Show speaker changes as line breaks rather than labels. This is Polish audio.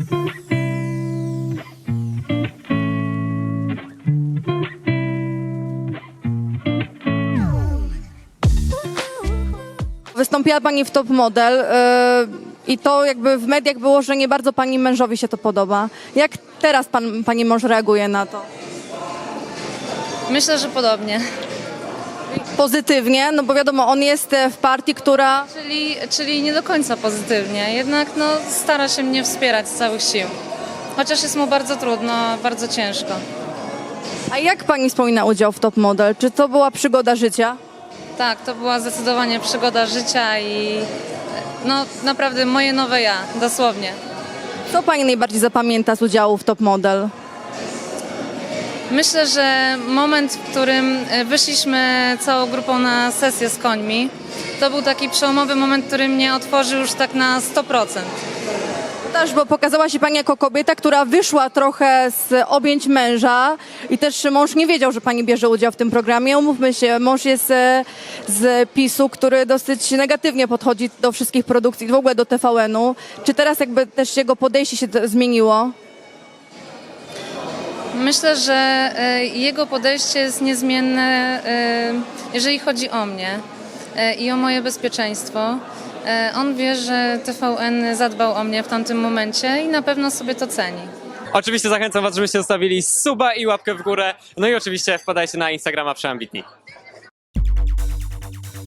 Wystąpiła Pani w Top Model i to jakby w mediach było, że nie bardzo Pani mężowi się to podoba. Jak teraz Pani mąż reaguje na to?
Myślę, że podobnie.
Pozytywnie, no bo wiadomo, on jest w partii, która...
Czyli nie do końca pozytywnie, jednak no, stara się mnie wspierać z całych sił. Chociaż jest mu bardzo trudno, bardzo ciężko.
A jak Pani wspomina udział w Top Model? Czy to była przygoda życia?
Tak, to była zdecydowanie przygoda życia i no naprawdę moje nowe ja, dosłownie.
Co Pani najbardziej zapamięta z udziału w Top Model?
Myślę, że moment, w którym wyszliśmy całą grupą na sesję z końmi, to był taki przełomowy moment, który mnie otworzył już tak na 100%.
Też, bo pokazała się Pani jako kobieta, która wyszła trochę z objęć męża i też mąż nie wiedział, że Pani bierze udział w tym programie. Umówmy się, mąż jest z PiS-u, który dosyć negatywnie podchodzi do wszystkich produkcji, w ogóle do TVN-u. Czy teraz jakby też jego podejście się zmieniło?
Myślę, że jego podejście jest niezmienne, jeżeli chodzi o mnie i o moje bezpieczeństwo. On wie, że TVN zadbał o mnie w tamtym momencie i na pewno sobie to ceni.
Oczywiście zachęcam was, żebyście zostawili suba i łapkę w górę. No i oczywiście wpadajcie na Instagrama Przeambitni.